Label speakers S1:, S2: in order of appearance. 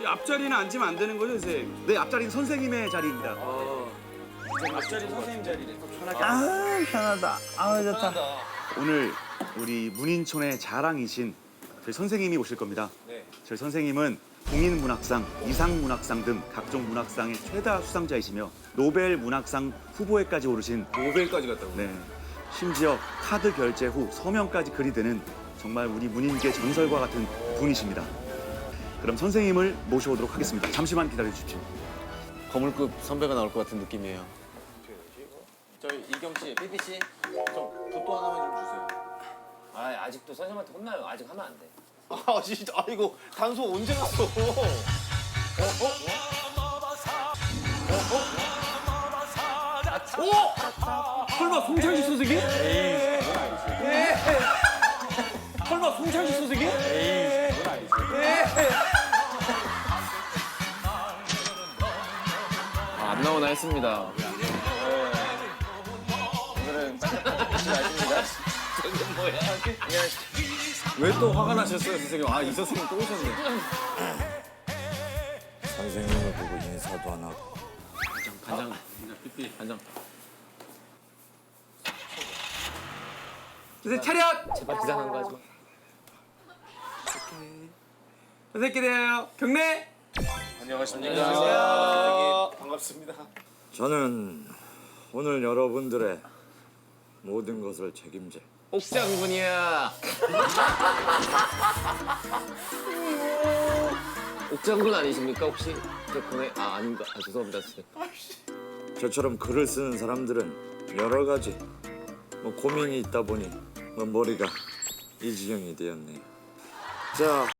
S1: 앞자리는 앉으면 안 되는 거죠, 선생님?
S2: 네, 앞자리는 선생님의 자리입니다.
S1: 앞자리 선생님 자리네.
S3: 아 편하다. 아 좋다.
S2: 오늘 우리 문인촌의 자랑이신 저희 선생님이 오실 겁니다.
S1: 네.
S2: 저희 선생님은 공인문학상, 이상문학상 등 각종 문학상의 최다 수상자이시며 노벨 문학상 후보에까지 오르신
S1: 노벨까지 갔다고.
S2: 네. 심지어 카드 결제 후 서명까지 글이 되는 정말 우리 문인계 전설과 같은 분이십니다. 그럼 선생님을 모셔오도록 하겠습니다. 잠시만 기다려 주십시오.
S4: 거물급 선배가 나올 것 같은 느낌이에요. 저희 이경 씨, 삐삐 씨, 좀 붓도 하나만 좀 주세요.
S5: 아, 아직도 선생님한테 혼나요. 아직 하면 안 돼.
S4: 아 진짜, 아 이거 단소 언제 갔어?
S1: 설마 송창식 선생님? 설마 송창식 선생님?
S5: 아, 안 나오나 했습니다.
S4: 오늘은 혹시 아십니까?
S1: 왜 또 화가 나셨어요, 선생님? 아, 이 선생님 또 오셨네.
S3: 선생님을 보고 인사도 안 하고.
S5: 간장, 삐삐, 간장.
S1: 선생님 차렷!
S5: 제발 이상한 거 하지 마.
S1: 선생님 기대요. 경례!
S4: 안녕하세요. 반갑습니다.
S3: 저는 오늘 여러분들의 모든 것을 책임질
S5: 옥장군이야. 옥장군 아니십니까 혹시? 저 보내 아닌가? 아 죄송합니다 선생님.
S3: 저처럼 글을 쓰는 사람들은 여러 가지 고민이 있다 보니 머리가 이 지경이 되었네요. 자.